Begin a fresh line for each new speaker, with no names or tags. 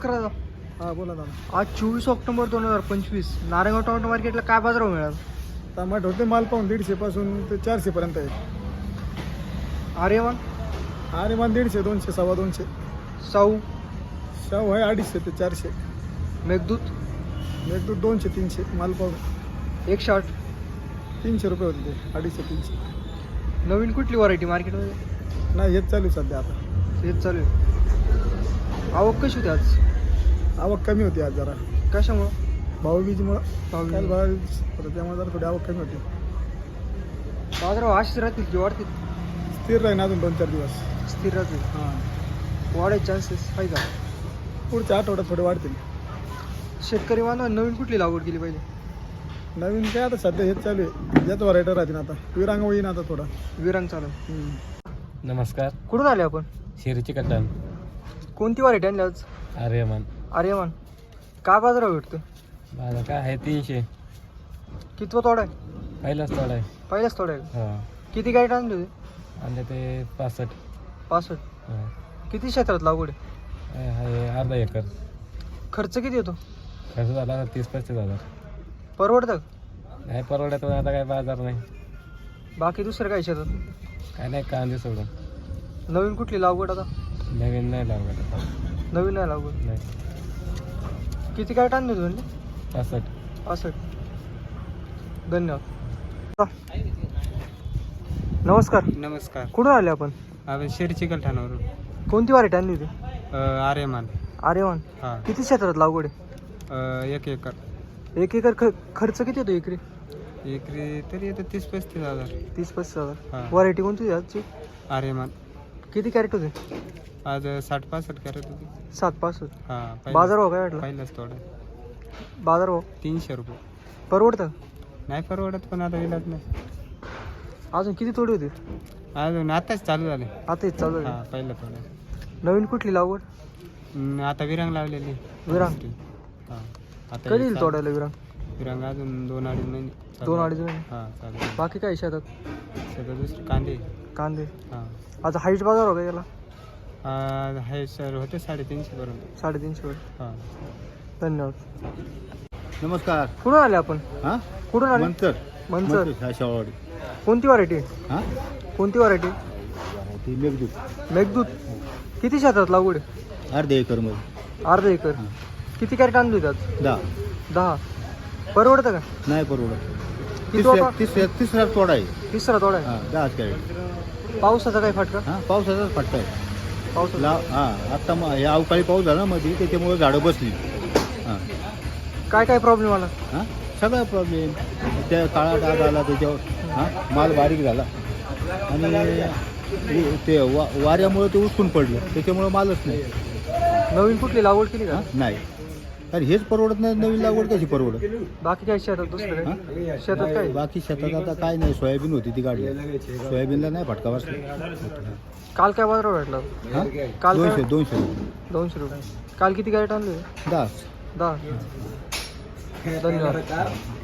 करा.
हा बोला दादा.
आज 24 ऑक्टोबर 2025 नारायणगाव टोमॅटो मार्केटला काय बाजार मिळाला?
टमाट होते माल पाहून 150 पासून ते 400 पर्यंत आहे.
आर्यमान
अरे मान 150, 200, 250.
साऊ
शाहू आहे 250 ते 400.
मेघदूत
एक 200, 300 माल पाहून
160.
300 रुपये होते ते 250, 300.
नवीन कुठली व्हरायटी मार्केटमध्ये?
नाही हेच चालू आहे सध्या आता.
हेच चालू आहे. आवक कशी होती आज?
आवक कमी होती आज जरा
कशामुळं?
भाऊबीजमुळं.
भाऊबीज.
काल भाऊबीज होतं त्यामुळे जरा थोडी आवक कमी होती.
बाजारावर अशीच राहतील की वाढतील?
स्थिर राहीन अजून 2-4 दिवस.
स्थिर राहतील.
हां
वाढायचे चान्सेस आहे का?
पुढच्या आठवड्यात थोडे वाढतील.
शेतकरी बांधव नवीन कुठली लागवड केली पाहिजे?
नवीन काय आता सध्या हेच चालू आहे. याच व्हरायटी राहतील आता. विरांग होईन आता थोडा.
विरांग चालू.
नमस्कार.
कुठून आले आपण?
शिरीची कट्टान.
कोणती व्हरायटी आणली आज?
आर्यमान.
आर्यमान. काय बाजारावर भेटतो?
माझं काय आहे 300.
कितवा तोडा आहे?
पहिलाच थोडा आहे.
पहिलाच तोडा आहे.
हां.
किती गाईट आणली होती?
आणि ते 65.
65.
हां.
किती क्षेत्रात लागवड आहे?
आहे अर्धा एकर.
खर्च किती येतो?
खर्च झाला 30-35 हजार.
परवडतं?
नाही परवड्यात आता काय बाजार नाही.
बाकी दुसरं काय शेतात?
काय नाही कांदे सोडून.
नवीन कुठली लागवड आता?
नवीन नाही लागत आता.
नवीन नाही लागवड.
नाही.
किती गाईट आणली होती म्हणजे?
65.
65. धन्यवाद. नमस्कार.
नमस्कार.
कुठून आले आपण?
आपण शिरीची कलठाणावरून.
कोणती व्हरायटी आणली होती?
आर्यमान.
आर्यमान.
हां.
किती क्षेत्रात लागवड आहे?
1 एकर.
1 एकर खर्च किती येतो एकरी?
एकरी तरी येतं 30-35 हजार.
30-35 हजार.
हां.
व्हरायटी कोणती होती आजची?
आर्यमान.
किती कॅरेट होते?
आज 60-65 कॅरेट होती.
7-65.
हां.
बाजारभाव काय वाटला?
पहिलाच थोडं.
बाजारभाव
300 रुपये.
परवडतं?
नाही परवडत पण आता इलाज नाही.
अजून किती तोडी होती?
अजून आताच चालू झाले.
आता हेच चालू आहे.
हां पहिलं थोडं.
नवीन कुठली लागवड?
आता विरांग लावलेली.
विरांग.
हां. आता
कधी येईल तोडायला विरांग?
विरांग अजून 2-2.5 महिने.
2-2.5 महिने.
हां चालेल.
बाकी काय शेतात?
सगळं दुसरं कांदे.
कांदे.
हां.
आज हाईट बाजार हो का याला?
आहे सर होते 350 पर्यंत.
350 वर.
हां.
धन्यवाद.
नमस्कार.
कुठून आले आपण?
हां
कुठून आले?
मंतर
मंचर.
शाळवाडी.
कोणती व्हरायटी?
हां
कोणती व्हरायटी?
ती मेघदूत
मेघदूत. किती क्षेत्रात लागवड आहे?
अर्ध्या एकरमध्ये.
अर्धा एकर. किती कॅरेट आणली होती आज?
10.
10. परवडतं का?
नाही परवडत.
किती होता?
तिसरा तोडा आहे.
तिसरा तोडा आहे.
हां 10 कॅरेट.
पावसाचा काय फटका?
हां पावसाचाच फटका आहे.
पावसाचा.
हां आता हे अवकाळी पाऊस झाला मध्ये त्याच्यामुळे झाडं बसली. हां
काय काय प्रॉब्लेम आला?
हां सगळा प्रॉब्लेम. त्या काळा डाग आला त्याच्यावर. हां माल बारीक झाला आणि ते वाऱ्यामुळे ते उचकून पडलं त्याच्यामुळे मालच नाही.
नवीन कुठली लागवड केली का?
नाही अरे हेच परवडत नाही. नवीन लागवड कशी परवडत?
बाकी काय शेतात दुसरं काय? शेतात काय?
बाकी शेतात आता काय नाही. सोयाबीन होती ती काढली. सोयाबीनला नाही फटका बसला.
काल काय बाजार भेटला?
हां
काल काय?
200 रुपये.
200 रुपये. काल किती गाईट आणली?
10.
10. धन्यवाद.